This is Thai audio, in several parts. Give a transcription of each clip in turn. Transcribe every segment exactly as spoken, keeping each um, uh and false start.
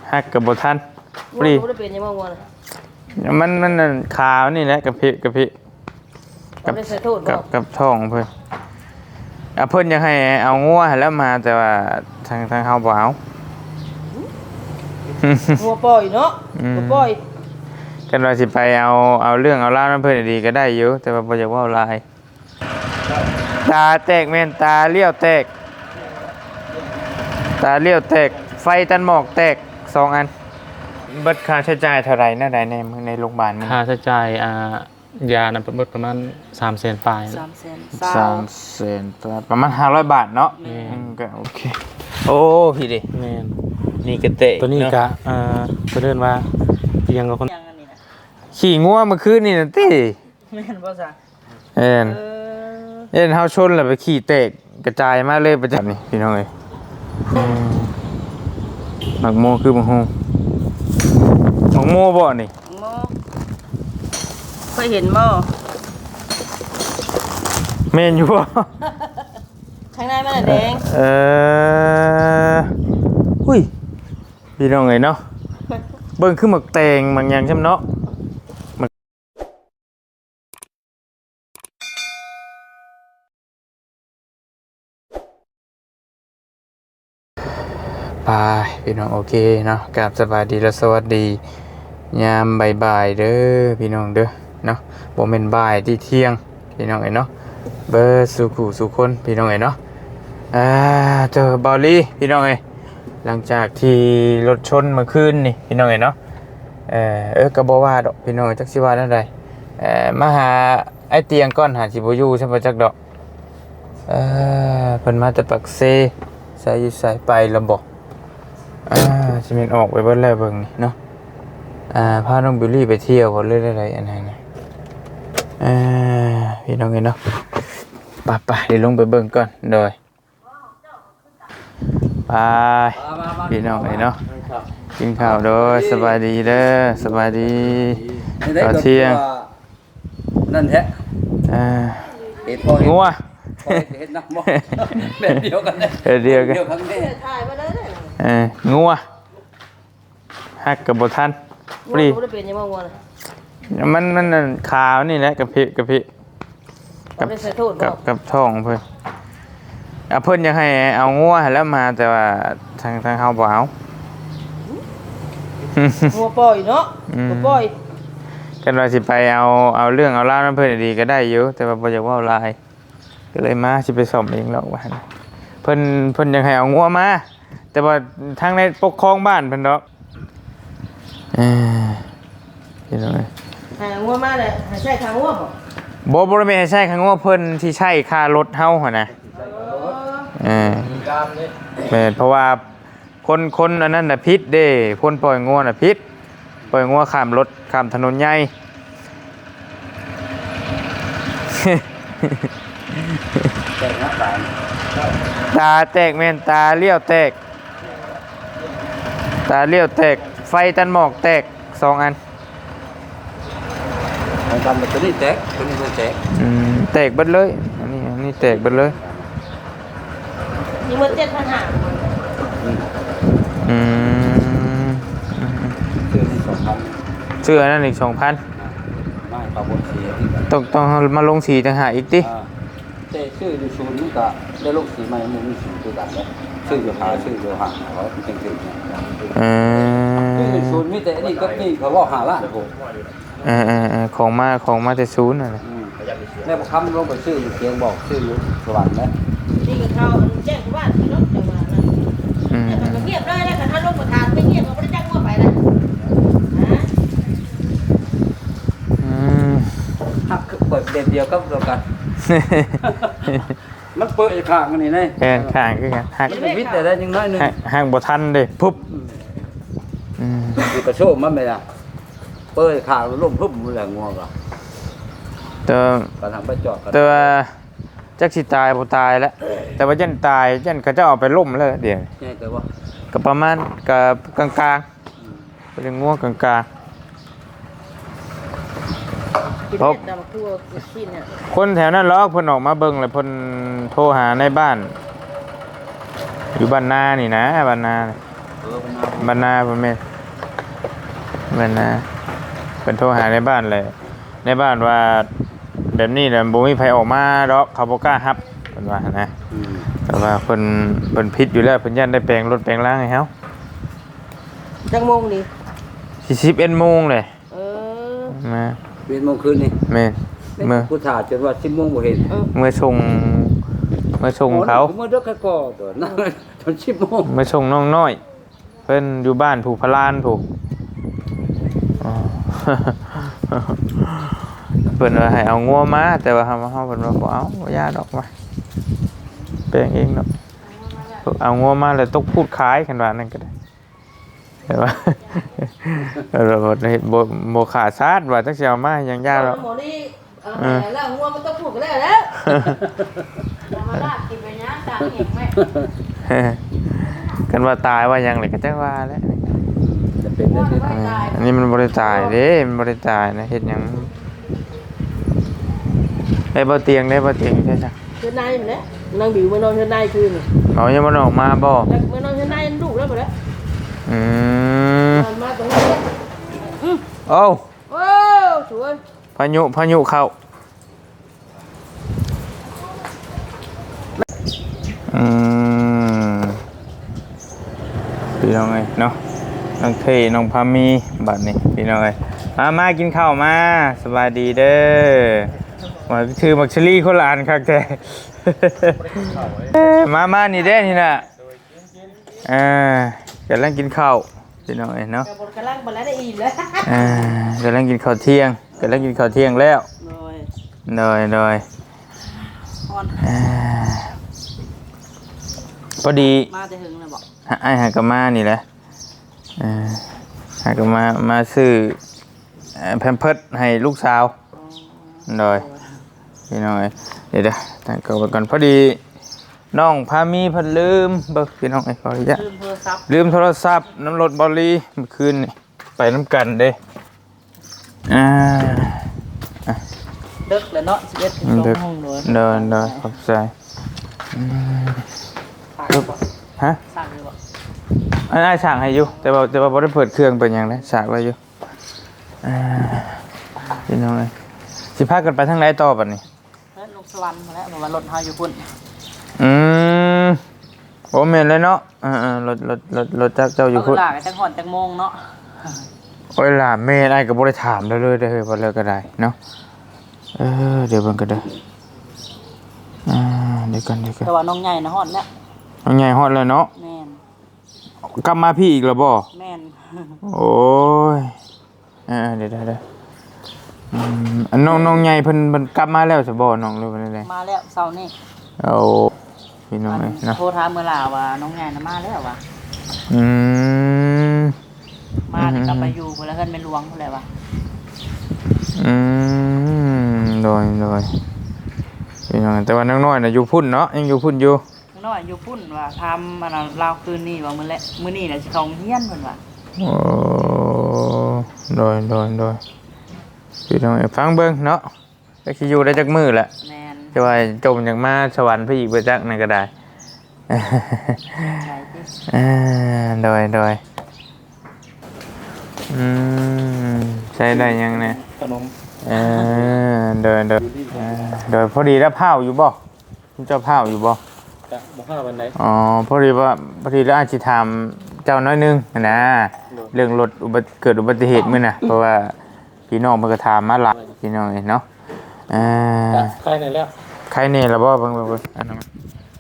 ฮักกับบทันปรีมันมันขาวนี่แหละกับพี่กับพี่กับกับกับท้องเพื่อนอ่ะเพื่อนยังให้เอางัวแล้วมาแต่ว่าทางทางเฮาบ่เอางัวปล่อยเนาะงัวปล่อยกันว่าสิไปเอาเอาเรื่องเอาเล่านั้นเพื่อนดีก็ได้อยู่แต่ว่าบ่อยากว่าลายตาแตกแม่นตาเลี้ยวแตกตาเลี้ยวแตกไฟตันหมอกแตกสองอันเบิดค่าใช้จ่ายเท่าไหร่น่าใดในในโรงพยาบาลมึงค่าใช้จ่ายอ่ายานั้นเบิดประมาณสามแสนปลายสามแสนสามแสนประมาณห้าร้อยบาทเนาะก็โอเคโอ้พี่ดิแม่นนี่ก็เตะตัวนี้ก็อ่าเพิ่นเอิ้นว่าเพียงกับคนขี่งัวเมื่อคืนนี่น่ะติแม่นบ่ซะเอ็นเอ็นเฮาชนแล้วไปขี่เตะกระจายมาเลยประจับนี่พี่น้องเอ้ยหมักโมคือบังโฮหมักโมบ่นี่โมเคยเห็นบ่แม่นอยู่บ่ข้างในมันแดงเออหุ้ยพี่น้องเอ้ยเนาะเบิ่งคือหมักแตงบางอย่างใช่มั้ยเนาะไปพี่น้องโอเคเนาะกราบสวัสดีและสวัสดียามบ่ายๆเด้อพี่น้องเด้อเนาะบ่แม่นบ่ายที่เที่ยงพี่น้องเอ้ยเนาะเบอร์สุขุสุคนพี่น้องเอ้ยเนาะอ่าเจอบอลลี่พี่น้องเอ้ยหลังจากที่รถชนเมื่อคืนนี่พี่น้องเอ้ยเนาะเออเออก็บ่ว่าดอกพี่น้องจักสิว่าจังได๋เอ่อมาหาไอ้เตียงก่อนหาสิบ่อยู่ใช่บ่จักดอกเอ่อเพิ่นมาแต่ปักเซสายอยู่สายไปลำบ่อ่าสิแม่นออกไปเบิดแล้วเบิ่งนี่เนาะอ่าพาน้องบิลลี่ไปเที่ยวบ่เลยได้ๆอันนั้นน่ะอ่าพี่น้องเอ้ยเนาะไปๆเดี๋ยวลงไปเบิ่งก่อนโดยไปพี่น้องเอ้ยเนาะกินข้าวโดยสบายดีเด้อสบายดีตอนเที่ยงนั่นแท้อ่าเห็ดพองัวเห็ดนักบ่แบบเดียวกันเลยเดียวกันเอองัวฮักกับบทันปรีมันมันขาวนี่แหละกับพี่กับพี่กับกับกับท้องเพื่อนอ่ะเพื่อนยังให้เอางัวแล้วมาแต่ว่าทางทางเฮาบ่เอางัวปล่อยเนาะงัวปล่อยกันว่าสิไปเอาเอาเรื่องเอาเล่านั้นเพื่อนดีก็ได้อยู่แต่ว่าบ่อยากว่าลายก็เลยมาสิไปสอบเองแล้วว่าเพิ่นเพิ่นยังให้เอางัวมาแต่ว่าทางในปกครองบ้านเพิ่นดอกเออพี่น้องให้งัวมาเลยให้ใช้ทางงัวบ่บ่บ่ได้แม่นให้ใช้ทางงัวเพิ่นที่ใช้ค่ารถเฮาหั่นน่ะเออแม่นเพราะว่าคนคนอันนั้นน่ะผิดเด้คนปล่อยงัวน่ะผิดปล่อยงัวข้ามรถข้ามถนนใหญ่ตาแตกแม่นตาเลี้ยวแตกตาเลี้ยวแตกไฟตันหมอกแตกสองอันมันกันตัวนี้แตกตัวนี้แตกอืมแตกเบิดเลยอันนี้อันนี้แตกเบิดเลยนี่มันเจ็ดพันห้าอืมเสื้อนั่นอีกสองพันไม่ต่อบนสีต้องต้องมาลงสีต่างหากอีกติเต้ชื่ออยู่ศูนย์นี่ก็ได้ลงสีใหม่มันมีสีตัวกันแล้วชื่ออยู่หาชื่ออยู่หาเขาจริงจริงอืมชื่ออยู่ศูนย์มีแต่นี่ก็นี่เขาว่าหาล้านผมเออเออของมาของมาแต่ศูนย์น่ะแม่คำลงไปชื่ออยู่เพียงบอกชื่ออยู่สวรรค์นะนี่ก็เขาแจ้งว่าที่รถจังหวะนั้นอืมเงียบได้แล้วแต่ถ้ารถประธานไม่เงียบเขาไม่ได้แจ้งว่าไปนะอืมหักเปิดเด่นเดียวก็เดียวกันมันเปิดข้างกันนี่ไงแกนข้างคือกันหักวิทย์แต่ได้ยังน้อยนึงห่างบ่ทันเด้ปุ๊บอืมอยู่กระโชกมันไม่ได้เปิดข้างล้มปุ๊บมันแหลงงัวก็แต่ก็ทำไปจอดแต่ว่าจักสิตายบ่ตายแล้วแต่ว่ายันตายยันเขาจะเอาไปล่มแล้วเดี๋ยวใช่แต่ว่าก็ประมาณก็กลางๆเป็นงัวกลางๆเพราะคนแถวนั้นล็อกเพิ่นออกมาเบิ่งแล้วเพิ่นโทรหาในบ้านอยู่บ้านนานี่นะบ้านนาเออบรรณาบ่แม่นบรรณาเพิ่นโทรหาในบ้านเลยในบ้านว่าแบบนี้แหละบ่มีไผออกมาดอกเขาบ่กล้ารับเพิ่นว่านะอืมแต่ว่าเพิ่นเพิ่นผิดอยู่แล้วเพิ่นยันได้แปลงรถแปลงร่างให้เฮาจังโมงนี่สี่สิบเอ็ดโมงเลยเออมาเป็นโมงคืนนี่แม่นเมื่อผู้ถ่าจนว่าสิบโมงบ่เห็นเมื่อส่งเมื่อส่งเขาเมื่อเด็กก็ก่อตัวนั่งจนสิบโมงเมื่อส่งน้องน้อย เพิ่นอยู่บ้านผูกพลานผูกอ๋อ เพิ่นว่าให้เอางัวมาแต่ว่าเฮาเฮาเพิ่นว่าบ่เอาบ่ยาดอกมาแปลงเองดอกเอางัวมาแล้วตกพูดขายกันว่านั่นก็ได้แต่ว่า เราบ่ได้บ่บ่ขาดซาดว่าจักสิเอามาหยังยาดอกหมอนี่เออแล้วงัวมันต้องพูดกันแล้วแล้วมาลาดกินไปนะตาเห็นไหมกันว่าตายว่าหยังเลยก็จักว่าแล้วจะเป็นได้ที่เอออันนี้มันบ่ได้ตายเด้มันบ่ได้ตายนะเฮ็ดหยังได้บ่เตียงได้บ่เตียงใช่จ้ะเชิญนายมาแล้วนางบิวมานอนเชิญนายคืนเอายังบ่ออกมาบ่แล้วมานอนเชิญนายลูกแล้วหมดแล้วอืมนอนมาตรงนี้โอ้โอ้สวยพายุพายุเข้าอืมพี่น้องเอ้ยเนาะน้องเทน้องพามีบัดนี้พี่น้องเอ้ยมามากินข้าวมาสบายดีเด้อว่าคือมักชลี่คนละอันคักแท้ มามานี่เด้นี่น่ะอ่ากำลังกินข้าวพี่น้องเอ้ยเนาะกับบนกระลังบนแล้วได้อิ่มแล้วอ่ากำลังกินข้าวเที่ยงกำลังกินข้าวเที่ยงแล้วโดยหน่อยหน่อยอ่อนอ่าพอดีมาจะหึงเลยบอกไอ้หากามานี่แหละอ่าหากามามาซื้อแพมเพิร์สให้ลูกสาวหน่อยพี่น้องเอ้ยเดี๋ยวเดี๋ยวตั้งเก่าไปก่อนพอดีน้องพามีเพิ่นลืมเบิกพี่น้องเอ้ยขออนุญาตลืมโทรศัพท์ลืมโทรศัพท์น้ำรถบอลลีเมื่อคืนนี่ไปน้ำกันเด้อ่าเด็กเลยเนาะสิบเอ็ดถึงสองห้องเลยเดินเดินขอบใจอืมสั่งเลยบอกฮะสั่งเลยบอกอันนี้ฉากให้อยู่แต่ว่าแต่ว่าบ่ได้เปิดเครื่องเป็นอย่างไรฉากไว้อยู่อ่าพี่น้องเอ้ยสิพากันไปทางไหนต่อบัดนี้แล้วลงสวรรค์มาแล้วมารถเฮาอยู่พุ่นอืมโอ้แม่นเลยเนาะอ่าๆรถรถรถรถจักรเจ้าอยู่เอาพุ่นหลากันจังหอนจังโมงเนาะโอ้ยล่ะแม่นอ้ายก็บ่ได้ถามเลยเลยเด้อเฮ้ยบ่เลยก็ได้เนาะเออเดี๋ยวเบิ่งก็ได้อ่าเดี๋ยวก่อนเดี๋ยวก่อนแต่ว่าน้องใหญ่นะฮอดแล้วเอาใหญ่ฮอดแล้วเนาะแม่นกลับมาพี่อีกแล้วบ่แม่นโอ้ยอ่าเดี๋ยวเดี๋ยวเดี๋ยวอืมอันน้องน้องใหญ่เพิ่นเพิ่นกลับมาแล้วสิบ่น้องหรือว่าไดมาแล้วเช้านี้เอาพี่น้องเอ้ยเนาะโทรถามเมื่อลาว่าน้องใหญ่น่ะมาแล้วว่ะอืมมานี่ก็ไปอยู่พุ่นแล้วเพิ่นเป็นหลวงพุ่นแหละว่ะอืมโดยโดยพี่น้องแต่ว่าน้องน้อยน่ะอยู่พุ่นเนาะยังอยู่พุ่นอยู่น้องน้อยอยู่พุ่นว่าทำอันนั้นลาวคืนนี้ว่ามื้อแลมื้อนี้น่ะสิเข้าโรงเรียนเพิ่นว่าโอ้โดยโดยโดยพี่น้องเอ้ยฟังเบิ่งเนาะก็สิอยู่ได้จักมื้อแหละแม่นจะว่าจมจากมาสวรรค์พี่อีกไปจักนั่นก็ได้ใช่ติอ่าโดยโดยอืมใช้ได้ยังเนี่ยขนมเออโดยโดยเออโดยพอดีแล้วเผาอยู่บ่คุณเจ้าเผาอยู่บ่จะบ่ห้าวันไหนอ๋อพอดีว่าพอดีแล้วอาจจะถามเจ้าน้อยหนึงนะเรื่องรถอุบัติเกิดอุบัติเหตุมื้อน่ะเพราะว่าพี่น้องเพิ่นก็ถามมาหลายพี่น้องเนาะอ่าจะใครไหนแล้วใครเนี่ยละบ่เบิ่งเบิ่งเบิ่งอันนั้นมัน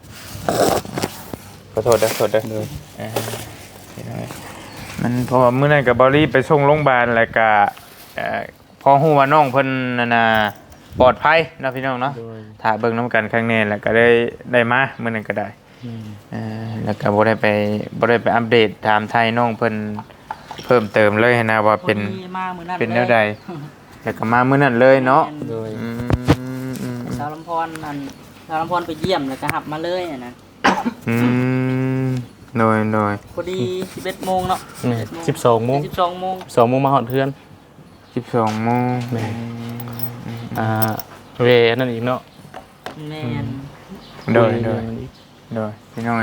ขอโทษเด้อขอโทษเด้อเออพี่น้องเอ้ยมันเพราะว่ามื้อนั้นกับบอลี่ไปส่งโรงพยาบาลแล้วก็เอ่อพอฮู้ว่าน้องเพิ่นนั่นน่ะปลอดภัยเนาะพี่น้องเนาะถ้าเบิ่งนํกันครั้งนี้แล้วก็ได้ได้มามื้อนั้นก็ได้เออแล้วก็บ่ได้ไปบ่ได้ไปอัปเดตถามไทยน้องเพิ่นเพิ่มเติมเลยนะว่าเป็นพอดีมามื้อนั้นเป็นแนวใดแล้วก็มามื้อนั้นเลยเนาะโดยอืมอืมสาวลำพรนั่นสาวลำพรไปเยี่ยมแล้วก็หับมาเลยอะนะอืมโดยโดยพอดีสิบเอ็ดโมงเนาะสิบสองโมงสิบสองโมงสองโมงมาหอดเพื่อนสิบสองโมงแม่อ่าเวนั่นอีกเนาะแม่นโดยโดยโดยพี่น้องเอ้ย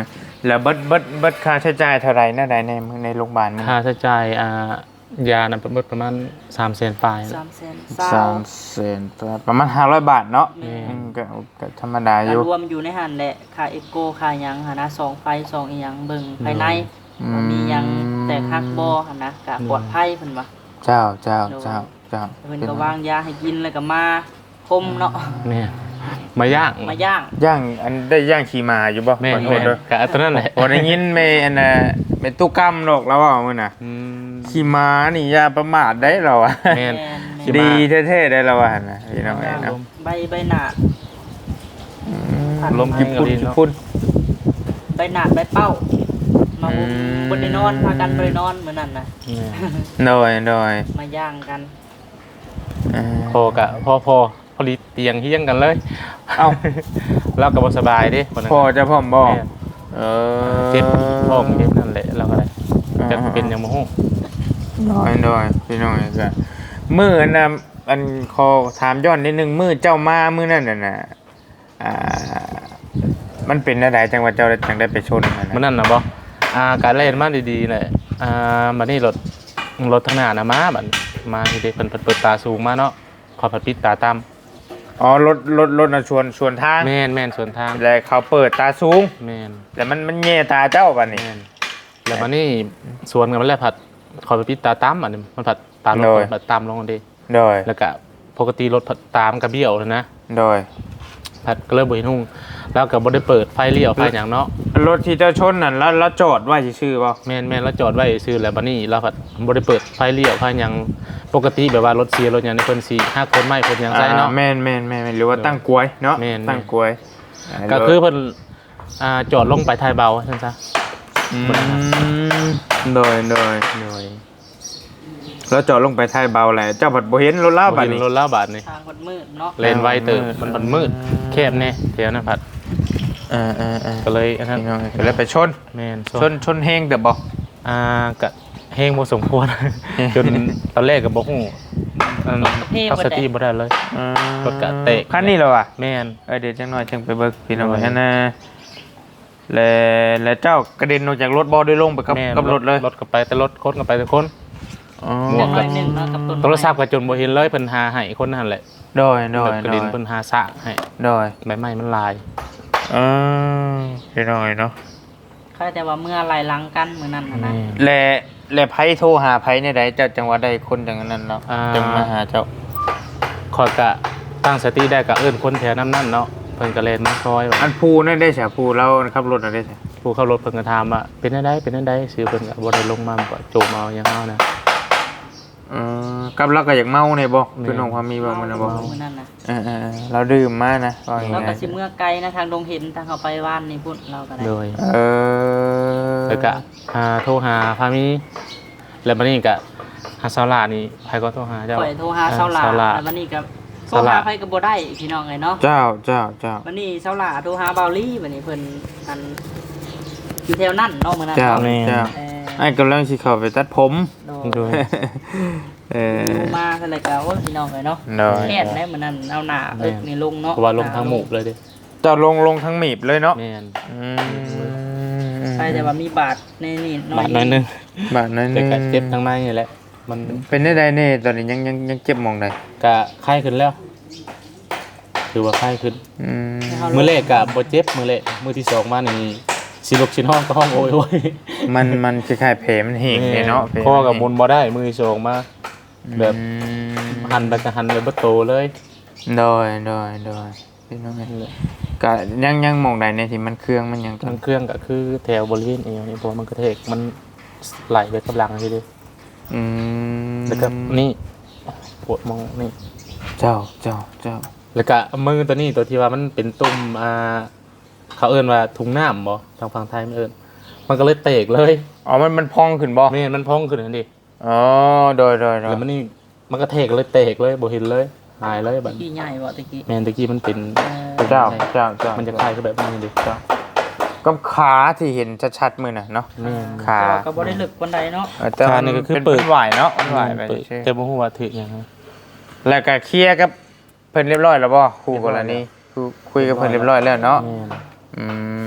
แล้วเบิดเบิดเบิดค่าใช้จ่ายเท่าไหร่น่าใดในในโรงพยาบาลมึงค่าใช้จ่ายอ่ายานั้นเบิดประมาณสามแสนปลายสามแสนสามแสนประมาณห้าร้อยบาทเนาะแม่อืมก็ก็ธรรมดาอยู่รวมอยู่ในหันแหละค่าเอ็กโกค่าหยังหนนะสองไฟสองอีหยังเบิ่งภายในอืมบ่มีหยังแตกหักบ่หั่นนะก็ปลอดภัยเพิ่นว่าเจ้าเจ้าเจ้าเจ้าเพิ่นก็วางยาให้กินแล้วก็มาคมเนาะแม่มาย่างมาย่างย่างอันได้ย่างขี่ม้าอยู่บ่แม่ขอโทแม่ษเด้อกะตัวนั้นแหละบ่ได้ยินแม่อันน่ะแม่ตู้กำดอกแล้วว่ามื้อน่ะอืมขี่ม้านี่อย่าประมาทได้เราอะแม่น ขี่ม้าดีแท้ๆได้เราอะหั่นน่ะพี่น้องเอ้ยเนาะใบใบหนาดอืมลมญี่ปุ่นกินก็ดีญี่เนาะปุ่นใบหนาดใบเป้า มาอืมบนได้นอนพากันบ่ไปนอนมื้อนั้นน่ะแม่โดยโดยมาย่างกันอ่าพอกะพอพอพอดีเตียงเฮี้ยงกันเลยเอ้าเราก็บ่สบายเดิคนนั้นพอจะพร้อมบ่แม่นเออเจ็บท้องเจ็บนั่นแหละเราก็ได้จะเป็นหยังบ่ฮู้น้อยน้อยพี่น้อยก็มืออันน่ะอันขอถามย้อนนิดนึงมือเจ้ามามือนั่นน่ะนะอ่ามันเป็นอะไรจังหวัดเจ้าจังได้ไปชนมันมันนะนั่นน่ะบ่อ่าการเล่นมาดีๆแหละอ่าบัดนี้รถรถทางหน้าน่ะมาบัดมาที่เด็กเพิ่นเปิดตาสูงมาเนาะขอผัดปิดตาต่ำอ๋อรถรถรถน่ะชวนชวนทางแม่นแม่นสวนทางแล้วเขาเปิดตาสูงแม่นแล้วมันมันแย่ตาเจ้าบัดนี้แม่นแล้วบัดนี้สวนกันมันแล้วผัดขอผัดปิดตาต่ำอันนี้มันผัดตามลโดงยผัดตามลงกันดิโดยแล้วก็ปกติรถผัดตามกระเบี้ยวเลยนะโดยผัดก็เลยบ่เห็นหุ่งแล้วก็บ่ได้เปิดไฟเลี้ยวไฟหยังเนาะรถที่เจ้าชนนั่นแล้วแล้วจอดไว้ซื่อๆบ่แม่นแม่นแล้วจอดไว้ซื่อแล้วบัดนี้เราผัดบ่ได้เปิดไฟเลี้ยวไฟหยังปกติแบบว่ารถเสียรถหยังในเพิ่นสิห้าคนไม่เพิ่นหยังใส่เนาะอ่าแม่นแม่นแม่นหรือว่าตั้งกลวยเนาะแม่นตั้งกลวยาก็คือเพิ่นอ่าจอดลงไปท้ายเบาซั่นซะอืมโดยโดยหน่อยแล้วจอดลงไปท้ายเบาแหละเจ้าผัดบ่เห็นรถลาบ่บัดเห็นนี้รถลาบาดนี่ทางมันมืดเนาะเลนไวเติบมันมันมืดแคบแน่แถวนั้นผัดเออเออเออก็เลยอันนั้นพี่น้องก็เลยไปชนแม่นชนชนแห้งเด้อบ่อ่าก็แฮงบ่สมควร จนตอนแรกก็บ่ฮู้อันเอาสติบ่ได้เลยอืมรถกะเตะคันนี้เหรอวะแม่นเออเดี๋ยวจังหน่อยจังไปเบิกพี่น้องโดยฮะนะแล้วแล้วเจ้ากระเด็นออกจากรถบ่ได้ลงไปกับแม่นกับรถเลยรถก็ไปแต่รถคนก็ไปแต่คนอ๋อหมวกหน่อยหนึงเนาะกับต้นไม้โทรศัพท์ก็จนบ่เห็นเลยเพิ่นหาให้คนนั่นแหละโดยโดยกระโดดินยเพิ่นหาซะให้โดยใบไม้มันลายเออพี่น้องเนาะใครแต่ว่าเมื่อไหลหลังกันมื้อนั้นน่ะนะและและไผโทรหาไผในใดเจ้าจังหวัดใดคนจังนั้นเนาะอ่าจังมาหาเจ้าขอยก็ตั้งสติได้ก็เอิ้นคนแถวนั้นนั่นเนาะเพิ่นก็แล่นมาซอยว่าอันภูนั่นได้ใช่ภูเราขับรถน่ะได้ใช่ผู้เข้ารถเพิ่นก็ถามว่าเป็นจังไดเป็นจังไดชื่อเพิ่นก็บ่ได้ลงมาบ่โจมเอาหยังเอานะเออกับเราก็อยากเมาเนี่ยบ่แม่คือน้องความมีบ่มันนะบ่มื้อนั้นน่ะเออเออเออเราดื่มมานะว่าอย่างเราไงก็สิเมื่อไกลนะทางดงเห็นทางเขาไปว่านนี่พุ่นเราก็ได้โดยเออแล้วก็หาโทรหาพามีแล้วบัดนี้ก็หาสาวหลานี่ไผก็โทรหาเจ้าข่อยโทรหาเซาหลาสาวหลาแล้ววันนี้ก็โทรเซาหลาหาไผก็บ่ได้พี่น้องเอ้ยเนาะเจ้าเจ้าเจ้าวันนี้เซาหลาโทรหาเบาลี่วันนี้เพิ่นอันอยู่แถวนั้นเนาะมื้อนั้นเจ้าเนาะเจ้าเออไอ้กำลังสิเข้าไปตัดผมโดโดยเออโทรมาซั่นเลยก็โอ้ยพี่น้องเอ้ยเนาะน้อยแค่นได้มื้อนั้นเอาหน้าเอิกนี่ลงเนาะเพราะว่าลงทางหมู่เลยเด้เจ้าลงลงทั้งหมีบเลยเนาะแม่นอืมใช่แต่ว่ามีบาดในนี่น้อยบาดน้อยหนึงบาดนั้นแต่ก็เจ็บทางในนี่แหละมันเป็นได้ใดแน่ตอนนี้ยังยังยังเจ็บหมองใดก็ไข้ขึ้นแล้วถือว่าไข้ขึ้นอืมมื้อแรกก็บ่เจ็บมื้อแรกมื้อที่สองมานี่สิลุกสินห้องก็ห้องโอยโอยมันมันคล้ายๆแผลมันเหี่ยงเลยเนาะแผลคอกับมุนบ่ได้มื้อที่สองมา แบบอืมหันไปก็หันไปบ่โตเลยโดยโดยโดยพี่น้องเอ้ยก็ยังยังหมองใดในที่มันเครื่องมันยังต้มันนเครื่องก็คือแถวบริเวณเอวนี่เพราะว่ามันกระเทกมันไหลไปกับหลังทีเดียวอืมแล้วก็นี่ปวดมองนี่เจ้าเจ้าเจ้าแล้วก็มือตัวนี้ตัวที่ว่ามันเป็นตุ่มอ่าเขาเอิ้นว่าถุงน้ำบ่ทางฝั่งไทยมันเอิ้นมันก็เลยเตกเลยอ๋อมันมันพองขึ้นบ่ไม่เห็นมันพองขึ้นนั่นดิอ๋อโดยโดยโดยแล้วมันนี่มันก็เทกเลยเตกเลยบ่เห็นเลยหายเลยบัดขี้ใหญ่บ่ตะกี้แม่นตะกี้มันเป็นเออเจ้าเจ้าเจ้ามันจะคล้ายกับแบบนี้ดิเจ้าก็ขาที่เห็นชัดๆมือน่ะเนาะแม่นขาแต่ว่าก็บ่ได้ลึกปานใดเนาะเออแต่ขามันนี่ก็คือเป็นเปิดเป็นหวายเนาะมันหวายไปเปิดใช่แต่บ่ฮู้ว่าถึกหยังนะแล้วก็เคลียร์กับเพิ่นเรียบร้อยแล้วบ่คู่กรณีคุยคุยกับเพิ่นเรียบร้อยแล้วเนาะแม่นอืม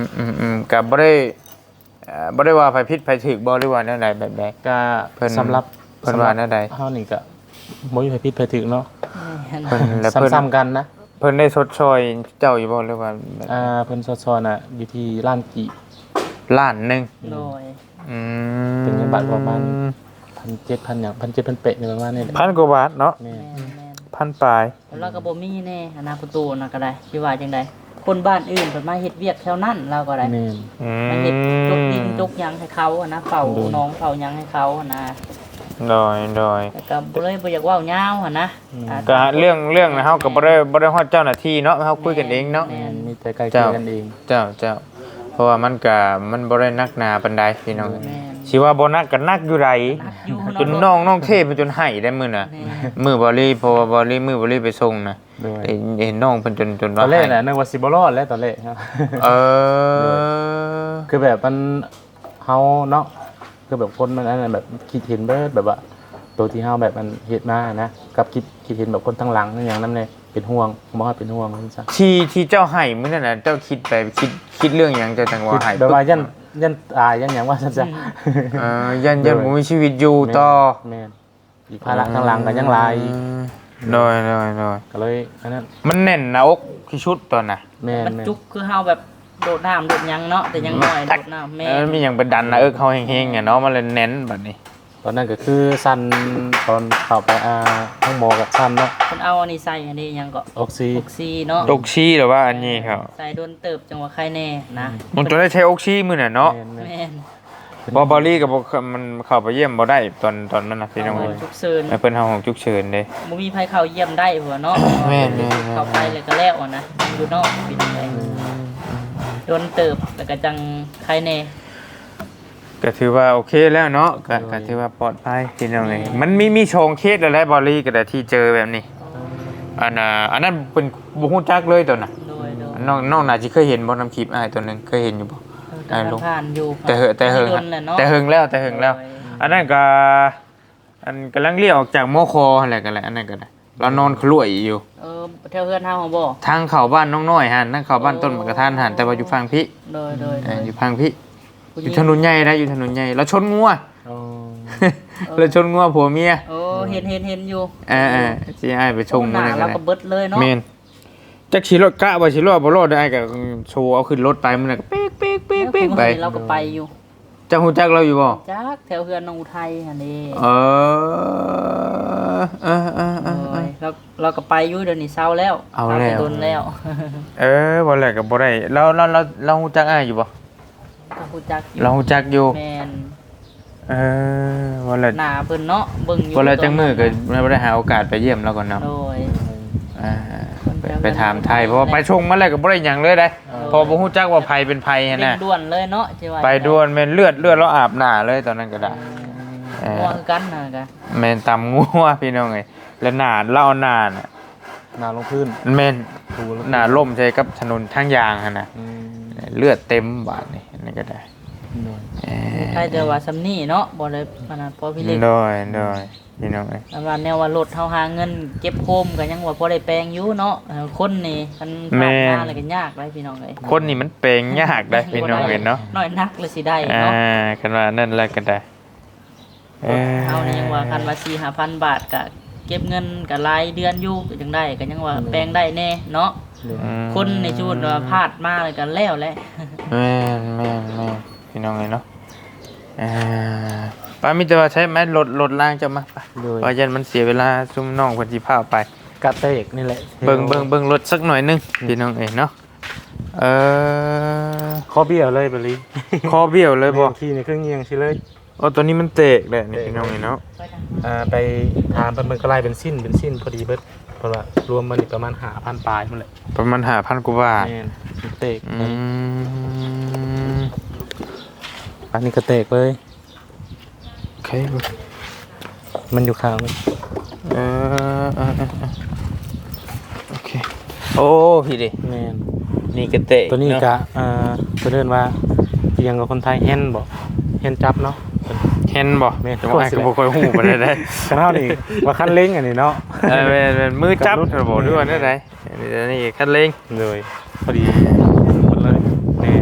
มอืมอืมก็บ่ได้เอ่อบ่ได้ว่าไผผิดไผถูกบ่หรือว่าแนวใดแบบใดก็เพิ่นสำหรับเพิ่นว่าแนวใดเฮานี่ก็บ่มีไผผิดไผถูกเนาะเพิ่นแล้วเพิ่นซ้ำๆกันนะเพิ่นได้ชดเชยเจ้าอยู่บ่หรือว่าแบบอ่าเพิ่นซอๆน่ะอยู่ที่ล้านกี่ล้านหนึงโดยอืมเป็นเงินบาทประมาณ หนึ่งพันเจ็ดพัน หยัง หนึ่งพันเจ็ดพัน เป๊ะนี่ประมาณนี้แหละพันกว่าบาทเนาะแม่แม่นแม่นพันปลายเราก็บ่มีแน่อนาประตูน่ะก็ได้สิว่าจังไดคนบ้านอื่นเพิ่นมาเฮ็ดเวียกแถวนั้นเราก็ได้แม่นอืมาเฮ็ดจกดินมจกหยังให้เขาอะนะเฝ้าดูน้องเฝ้าหยังให้เขาอะนะโดยโดยแต่ก็บ่เลยบ่อยากเว้ายาวอะนะอ่าก็เรื่องเรื่องนะเฮาก็บ่ได้บ่ได้ฮอดเจ้าหน้าที่เนาะเฮาคุยกันเองเนาะแม่นมีแต่ไกลเกลี่ยกันเองเจ้าเจ้าเพราะว่ามันก็มันบ่ได้นักหนาปานใดพี่น้องแม่นสิว่าบ่นักก็นักอยู่ใดนักอยู่จนน้องน้องเทพจนให้ได้มื้อน่ะแม่นมื้อบ่รีเพราะว่าบ่รีมื้อบ่รีไปส่งน่ะโดยเห็นเห็นน้องเพิ่นจนจนตว่าอนแรกให้น่ะนึกว่าสิบ่รอดแล้วตอนแรกครับเออคือแบบมันเฮาเนาะคือแบบคนมันอันนั้นแบบคิดเห็นเบิดแบบว่าตัวที่เฮาแบบมันเฮ็ดมานะกับคิดคิดเห็นแบบคนทั้งหลังอย่างนั้นเลยเป็นห่วงบ่ว่าเป็นห่วงจังซั่นที่ที่เจ้าให้มื้อนั้นน่ะเจ้าคิดไปคิดคิดเรื่องหยังเจ้าจังว่าให้แบบว่ายันยันตายยันหยังว่าซั่นจ้ะเออยันยันบ่มีชีวิตอยู่ต่อแม่นอีกภาระทั้งหลังก็ยังหลายโดยโดยโดยก็เลยอันนั้นมันแน่นหน้าอกที่ชุดตอนน่ะแม่นมันแม่นจุกคือเฮาแบบโดดน้ำโดดหยังเนาะแต่ยังน้อยโดดน้ำแม่เออมีหยังไปดันหน้าอกเขาแห้งๆอ่ะเนาะมันเลยแน่นบัดนี้ตอนนั้นก็คือสั้นตอนเข้าไปอ่าห้องหมอกับสั้นเนาะเพิ่นเอาอันนี้ใส่อันนี้หยังก็ออกซิออกซีเนาะอกชี้หรือว่าอันนี้ครับใส่โดนเติบจังว่าใครแน่นะมันจะได้ใช้อกชี้มื้อน่ะเนาะแม่นแม่นแม่นบอบอลี่กับมันเข้าไปเยี่ยมบ่ได้ตอนตอนนั้นนะพี่น้องเอาเอ้ยฉุกเฉินเพิ่นเฮาของฉุกเฉินเด้บ่มีไผเข้าเยี่ยมได้หัวเนาะแม่นแม่นเข้าไปแล้วก็แล้วอะนะอยู่นอกเป็นจังไดโดนเติบแล้วก็จังใครแน่ก็ถือว่าโอเคแล้วเนาะก็ก็ถือว่าปลอดภัยพี่น้องเอ้ยมันมีมีโชงเคสหลายๆบอลี่ก็ได้ที่เจอแบบนี้อันน่ะอันนั้นเป็นบ่ฮู้จักเลยตัวน่ะโดยโดยน้องน้องน่าสิเคยเห็นบ่นำคลิปอ้ายตัวหนึงเคยเห็นอยู่บ่เออผ่านอยู่แต่เหอะแต่เหิงโดนแหละเนาะแต่เหิงแล้วแต่เหิงแล้วโดยอันนั้นก็อันกำลังเลี้ยวออกจากโมคออะไรกันแหละอันนั้นก็ได้เรานอนขลุ่ยอยู่เออแถวเฮือนเฮาบ่ทางเข้าบ้านน้องน้อยหันทางเข้าบ้านต้นมะกระทานหันแต่ว่าอยู่ฝั่งพี่โดยโดยเอโดอย อยู่ฝั่งพี่อยู่ถนนใหญ่นะอยู่ถนนใหญ่เราชนงัวอ๋อเราชนงัวผัวเมียโอ้เห็นเห็นเห็นอยู่เออเออสิอ้ายไปชมหมันน้านั่นก็เราได้ก็เบิดเลยเนาะแม่นจักสิรถกะว่าสิรอดบ่รอดได้อ้ายก็โชว์เอาขึ้นรถไปมันน่ะก็เป๊กเป๊กเป๊กเป๊กไปเราก็ไปอยู่เจ้าฮู้จักเราอยู่บ่จักแถวเฮือนน้องอุทัยหั่นนี่เออเออเออเออเออเราเราก็ไปอยู่เดี๋ยวนี้เศร้าแล้วเอาแล้วไปโดนแล้วเออบ่แลกก็บ่ได้เราเราเราเราฮู้จักอ้ายอยู่บ่ก็ฮู้จักอยู่เราฮู้จักอยู่แม่นเออบ่แลหน้าเพิ่นเนาะเบิ่งอยู่บ่แลจังมื้อก็บ่ได้หาโอกาสไปเยี่ยมเราก่อนเนาะโดยอ่าไปไปถามไทยเพราะว่าไปชงมาแล้วก็บ่ได้หยังเลยได้พอบ่ฮู้จักว่าไผเป็นไผเร่หั่นงน่ะด่วนเลยเนาะจิว่าไปด่วนแม่นเลือดเลือดเราอาบหน้าเลยตอนนั้นก็ได้เออม่วงคือกันน่ะกะแม่นตำงัวพี่น้องเอ้ยแล้วหน้าเล่าหน้าน่ะหน้าลงพื้นแม่นถูแล้วหน้าล่มใช่กับถนนทางยางหั่นน่ะอืมเลือดเต็มบาดนี่อันนี่ก็ได้โดยเอใครจะว่าซำนี้เนาะบ่ได้ปานนั้นพอพี่เล็กโดยโดยพี่น้องเอ้ยอันว่าแนวว่ารถเฮาหาเงินเก็บโคมก็ยังว่าพอได้แปลงอยู่เนาะเออคนนี่คันผ่านมาแล้วก็ยากเลยพี่น้องเอ้ยคนนี่มันเปลงยากได้พี่น้องเอ้ยเนาะน้อยนักเลยสิได้อ่าเนาะกันว่านั่นแหละก็ได้เออเฮานี่ยังว่าคันว่า สี่ห้าพัน บาทก็เก็บเงินก็รายเดือนอยู่ก็จังได้ก็ยังว่าแปลงได้แน่เนาะโดยอืมคนในชุดว่าพลาดมาเลยกันแล้วแหละแม่นแม่นแม่นพี่น้องเอ้ยเนาะอ่าป้ามีแต่ว่าใช้ไม้รถรถล่างจะมาไปโดยเพราะยันมันเสียเวลาซุ่มน้องเพิ่นสิพาไปกระเตกนี่แหละเบิ่งเบิ่งเบิ่งรถสักหน่อยหนึงพี่น้องเอ้ยเนาะเออข้อเบี้ยวเลยบริคอเบี้ยวเลยบ่ขี่ในเครื่องเงียงสิเลยโอ้ตัวนี้มันเตกแหละนี่พี่น้องเอ้ยเนาะอ่าไปถามเป็นกระไรเป็นสิ้นเป็นสิ้นพอดีเบิดเพราะว่ารวมมันนี่ประมาณหาพันปลายมันแหละประมาณห้าพันกว่าบาทแม่นเตกอืมอันนี้กระเตกเลยโอเคมันอยู่ข้างมันเออเออเออเออโอเคโอ้พี่ดิแม่นนี่กระเตะตัวนี้เาะกะอ่าเพิ่นเอิ้นว่าเพียงกับคนไทยแฮนบ่แฮนจับเนาะเห็นบ่แม่นจังหวะก็บ่ค่อยฮู้ปานใดได้กันเฮานี่ว่าคันเล้งอันนี้เนาะเออเป็นเป็นมือจับบ่ด้วยว่าได้ไดอันนี้อันนี้คันเร่งเลยพอดีหมดเลยแม่ไป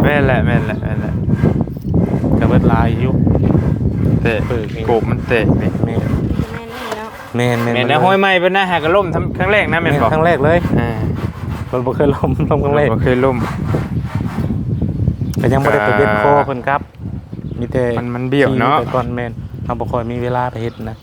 ม่นแหละแม่นแหละแม่นแหละก็เบิดลายอยู่เตะโกบมันเตะนี่แม่นแม่นี่เนาะแม่นแม่นแม่นนะห้อยไม้เพิ่นนะหากระล่มทำครั้งแรกนะแม่แม่นนบอกครั้งแรกเลยอ่ามันบ่เคยล้มล้มครั้งแรกบ่เคยล่มก็ยังบ่ได้ไปเบ็ดคอเพิ่นครับมีแต่มันมันเบี้ยวเนาะขี่ไปก่อนแม่นเฮาบ่ค่อยมีเวลาไปเฮ็ดนะ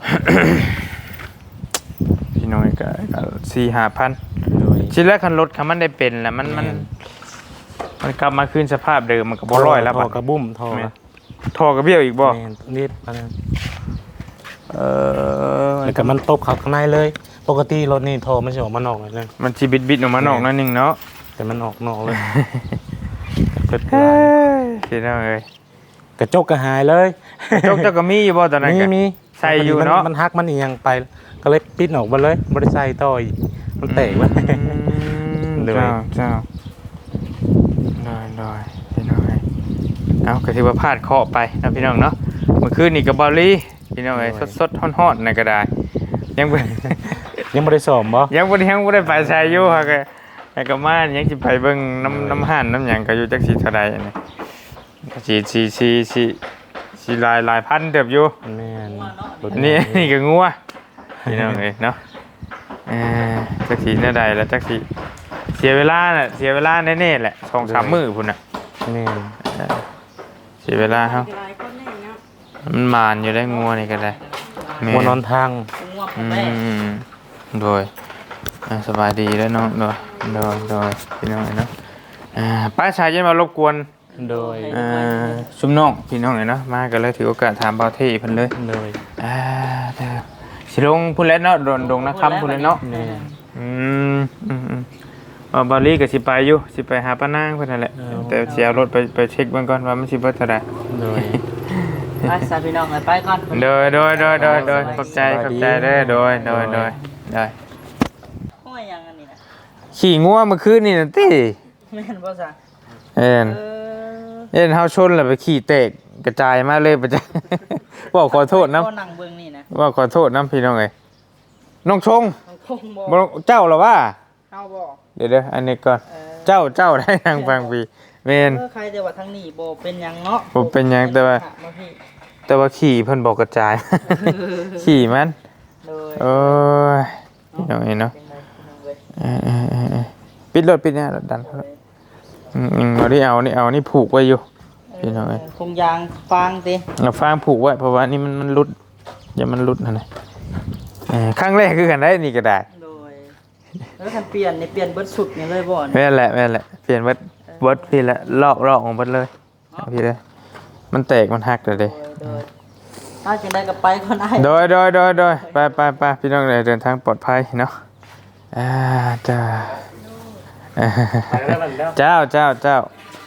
พี่น้อยก็ก็สี่ห้าพันโดยชิ้นแรกคันรถคันมันได้เป็นแล้วมันมันแม่นมันกลับมาคืนสภาพเดิมมันก็บ่ร้อยแล้วท่บัอดกระบุ้มท่อแม่นท่อกระเบี้ยวอีกบ่แม่นนิดอันนั้นเออแล้วก็มันตบเข้าข้างในเลย ปกติรถนี่ท่อมันสิออกมานอกเลยนะมันสิบิดๆออกมานอกหนั่นนึงเนาะแต่มันออกนอกเลยเปิดเฮ้ยพี่น้องเอ้ยกระจกก็หายเลยจกเจ้าก็มีอยู่บ่ตอนนั้นมีก็มีใส่อยู่เนาะมันหักมันเอียงไป ก็เลยปิดออกมาเลยบ่ได้ใส่ต่ออีกมันแตกไปอืมเลยเจ้าเจ้าน้อยน้อยพี่น้องเอ้ยเอาก็ถือว่าพลาดเคราะห์ไปนะพี่น้องเนาะเมื่อคืนนี่กับบอลลี่พี่น้องเอ้ยสดๆฮ้อนๆน่ะก็ได้ยังบ่ยังบ่ได้สอบบ่ยังบ่ได้ยังบ่ได้ไปใช้อยู่ฮะก็ให้ก็มายังสิไปเบิ่งน้ำน้ำห่านน้ำหยังก็อยู่จักสิเท่าใดอันนี้ก็สิสิสิสิสิหลายหลายพันเติบอยู่แม่นรถอันนี่นี่ก็งัวพี่น้องเอ้ยเนาะเออจักสิแนวใดแล้วจักสิเสียเวลาน่ะเสียเวลาแน่ๆแหละสองสามมื้อพุ่นน่ะแม่นเออเสียเวลาเฮาหลายคนแน่เนาะมันมานอยู่ได้งัวนี่ก็ได้แม่หัวนอนทางงัวผอืมแม่มโดยอ่าสบายดีแล้วเนาะโดยโดยโดยพี่น้องเนาะอ่าป้าชายจะมารบกวนโดยอ่าชุมน้องพี่น้องเลยเนาะมากันเลยถือโอกาสถามเบาเท่เพิ่นเลยโดยอ่าเด้อสิลงพุ่นแล้วเนาะโดนดงนะครับพุ่นแล้วเนาะแม่นอืมอืมอืมว่าบาลีก็สิไปอยู่สิไปหาป้านางเพิ่นนั่นแหละแต่สิเอารถไปไปเช็คเบิ่งก่อนว่ามันสิเบิดเท่าใดโดยไปสาพี่น้องไปก่อนโดยโดยโดยโดยโดยขอบใจขอบใจเด้อโดยโดยโดยได้ห้อยยังอันนี้นะขี่งัวเมื่อคืนนี่น่ะติแม่นบ่ซะเอ็นเออเอ็นเฮาชนแล้วไปขี่เตกกระจายมาเลยไปจ้ะ ว่าขอโทษนะก็นั่งเบิ่งนี่นะว่าขอโทษนะพี่น้องเอ้ยน้องชงคงบ่บ่เจ้าเหรอว่าเอาบ่เดี๋ยวเดี๋ยวอันนี้ก่อนเออเจ้าเจ้าได้ทางฟังพี่เมนเออใครแต่ว่าทางนี้บ่เป็นหยังเนาะบ่เป็นหยังแต่ว่ามาพี่แต่ว่าขี่เพิ่นบอกกระจาย ขี่มันเลยโอ้ยพี่น้องเอ้ยเนาะเป็นไงพี่น้องเว้ยเออเออเออเออปิดรถปิดเนี่ยรถดันเขาแล้วอืมอืมเอานี่เอานี่เอานี่ผูกไว้อยู่พี่น้องเอ้ยคงยางฟางติเอาฟางผูกไว้เพราะว่านี่มันมันรุดอย่ามันรุดนั่นน่ะเออครั้งแรกคือกันได้นี่ก็ได้โดยแล้วคันเปลี่ยนนี่เปลี่ยนเบิดสุดนี่เลยบ่เนี่ยแม่นแหละแม่นแหละเปลี่ยนเบิดเบิดพี่ละลอกลอกของเบิดเลยเอาพี่เลยมันแตกมันหักเลยเด้โดยโดยถ้าจังได้ก็ไปก็ได้โดยโดยโดยโดยไปไปไปพี่น้องเลยเดินทางปลอดภัยเนาะอ่าจ้าอ่าเจ้าเจ้าเจ้า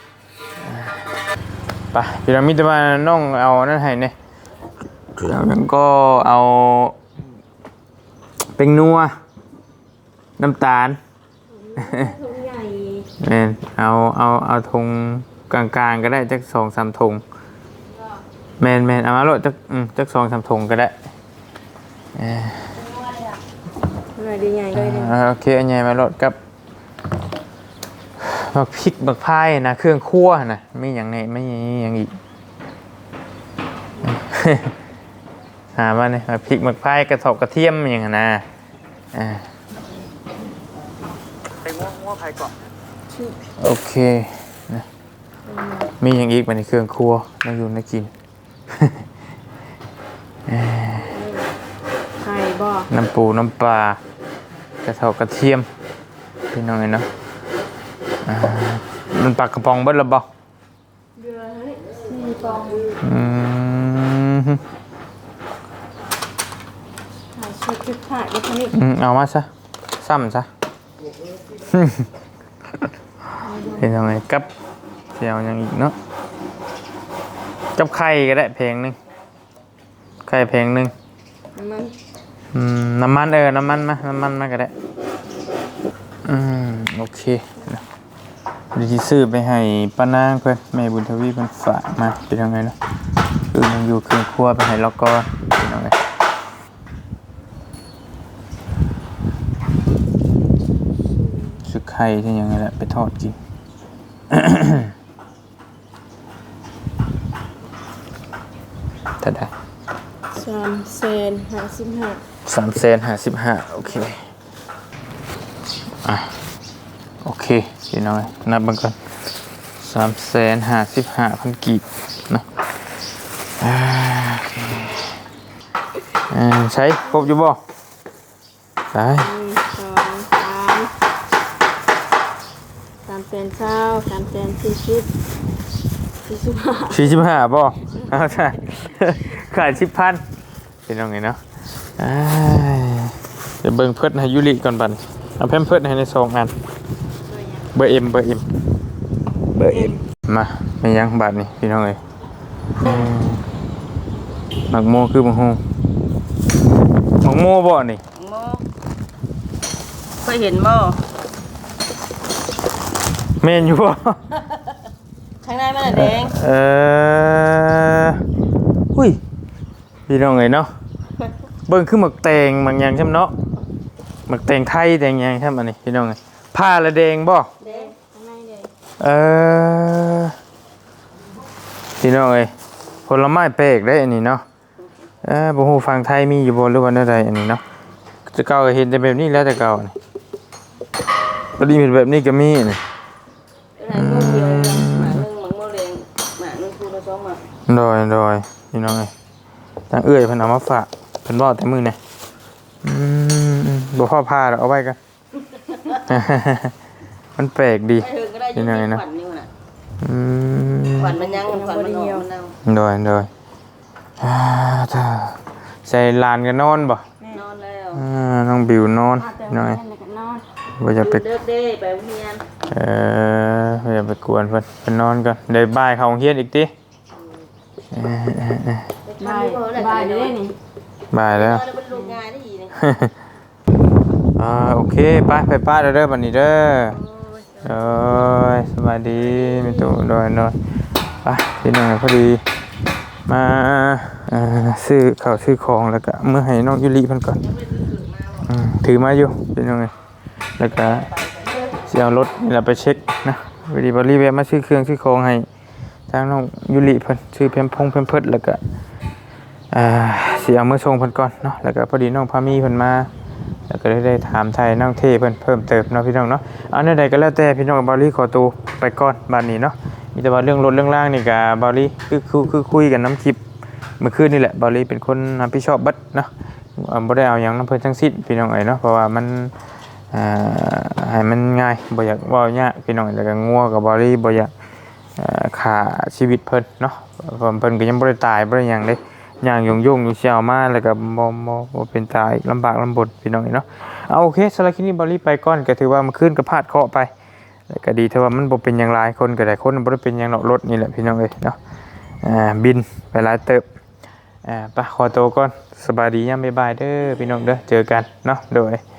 ไปพี่น้องมิตรมาน้องเอานั่นให้เนี่ยแล้วนั้นก็เอาเป็นนัวน้ำตาลเน่เอาเอาเอาธงกลางๆก็ได้จักสองสามธงแมนแมนเอามาโลดจักอืมจักสองสามธงก็ได้เออหน่อยดีใหญ่เลยเนี่ยอ่าโอเคอันใหญ่มาโลดกับบักพริกบักพายนะเครื่องคั่วนะไม่อย่างไหนไม่อย่างอีก หามาเนี่ยบักพริกบักพายกระเทบกระเทียมอย่างนั้นนะอ่าไปงัวงัวไผก่อนโอเคนะมีอย่างอีกมันในเครื่องครัวน่าอยู่น่ากินไข่บ่น้ำปูน้ำปลากระเทากระเทียมพี่น้องเนาะอ่ามันปลากระป๋องเบิดละบ่เดือเฮ้ยสี่ฟองอืมถ่ายชุดชุดถ่ายแล้วคนนี้อืมเอามาซะซ้ำซะ เป็นยังไงกับเสียวยังอีกเนาะกับไข่ก็ได้เพลงหนึงไข่เพลงหนึงมันอืมน้ำมันเออน้ำมันมาน้ำมันมาก็ได้อืมโอเคนะดีที่ซื้อไปให้ป้านางเพื่อนแม่บุญทวีเพื่อนฝากมาเป็นยังไงเนาะคือยังอยู่เครื่องครัวไปให้แล้วก็เป็นยังไงสุกไข่ที่ยังไงแหละไปทอดกินสามแสนห้าสิบห้าสามแสนห้าสิบห้าโอเคอ่ะโอเคพี่น้อยนับเบิ่งก่อนสามแสนห้าสิบห้าพันกีบเนาะอ่าโอเคอ่าใช้ครบอยู่บ่ไปหนึ่งสองสามสามแสนเก้าสามแสนสี่สิบสี่สิบห้าสี่สิบห้าบ่เอาใช่ขายสิบพันเป็นยังไงเนาะอ่าเดี๋ยวเบิ่งเพิ่นให้ยุริก่อนบัดเอาแพมเพิ่นให้ในซองอันเบอร์เอ็มเบอร์เอ็มเบอร์เอ็มมาไม่ยังบาทนี่พี่น้องเอ้ยอืมหมักโมคือบังฮูหมักโมบ่นี่โมเคยเห็นบ่แม่นอยู่บ่ข้างในมันแดงเออหุ้ยพี่น้องเอ้ยเนาะเบิ่งคือหมักแตงบางอย่างใช่มั้ยเนาะหมักแตงไทยแตงหยังใช่มั้ยนี่พี่น้องเอ้ยผ้าละแดงบ่แดงข้างในแดงเออพี่น้องเอ้ยผลไม้แปลกได้อันนี้เนาะเออบ่ฮู้ฝั่งไทยมีอยู่บ่หรือว่าใดอันนี้เนาะจะเก่าก็เห็นแต่แบบนี้แล้วแต่เก่านี่บ่ดีเป็นแบบนี้ก็มีนี่เป็นอะไรโมเดียวหมาหนึ่งหมังโมแดงหมาหนึ่งคูละสองหมาโดยโดยพี่น้องเอ้ยทางเอื้อยเพิ่นเอามาฝากเพิ่นเว้าแต่มื้อนี่อืมบ่พอพาดอกเอาไว้กัน มันแปลกดีไอ้เฮิงก็ได้อยินขวัญนี่น่ะอืมขวัญมันยังขวัญมันออกมันเอาโดยโดยอ่าถ้าใส่ลานกันนอนบ่นอนแล้วอ่าน้องบิวนอนหน่อยว่าจะไปเลิกเด้ไปโรงเรียนเออว่าจะไปกวนเพิ่นไปนอนก่อนเดี๋ยวบ่ายเข้าโรงเรียนอีกติเออเออเออบ่ายบ่ายได้นี่บ่ายแล้วแล้วมันลงงานได้อีนี่อ่าโอเคไปไปป้าเด้อเด้อบัดนี้เด้อโอ้ยสวัสดีมีตู่โดยโดยไปพี่น้องพอดีมาเอ่อซื้อข้าวซื้อของแล้วก็เมื่อให้น้องยุริเพิ่นก่อนอืมถือมาอยู่พี่น้องเอ้ยแล้วก็สิเอารถนี่ล่ะไปเช็คนะพอดีบ่รีแวะมาซื้อเครื่องซื้อของให้ทางน้องยุริเพิ่นซื้อแพมพงแพมเพิร์สแล้วก็อ่าสิเอามือส่งเพิ่นก่อนเนาะแล้วก็พอดีน้องพามีเพิ่นมาแล้วก็ได้ได้ถามไทยน้องเทเพิ่นเพิ่มเติมเนาะพี่น้องเนาะเอาใดๆก็แล้วแต่พี่น้องบารี่ขอตัวไปก่อนบัดนี้เนาะมีแต่ว่าเรื่องรถเรื่องล่างนี่ก็บารี่คือคือคือคุยกันน้ำคลิปเมื่อคืนนี่แหละบารี่เป็นคนรับผิดชอบเบัดเนาะอ่าบ่ได้เอาหยังนำเพิ่นทั้งสิ้นพี่น้องเอ้ยเนาะเพราะว่ามันอ่าให้มันง่ายบ่อยากเว้ายากพี่น้องแล้วก็งัวกับบารี่บ่อยากเอ่อฆ่าชีวิตเพิ่นเนาะเพราะเพิ่นก็ยังบ่ได้ตายบ่ได้หยังเด้ อย่างยงยงอยู่เชียวมาแล้วก็บ่บ่บ่เป็นตายลำบากลำบนพี่น้องเนาะเอาโอเคสำหรับคลิปนี้บอลลี่ไปก่อนก็ถือว่ามันขึ้นก็พลาดเคราะห์ไปแล้วก็ดีเท่าว่ามันบ่เป็นอย่างไรคนก็ได้คนบ่ได้เป็นอย่างเนาะรถนี่แหละพี่น้องเอ้ยเนาะอ่าบินไปหลายเติบอ่าไปขอตัวก่อนสบายดียามบ๊ายบายเด้อพี่น้องเด้อเจอกันเนาะโดย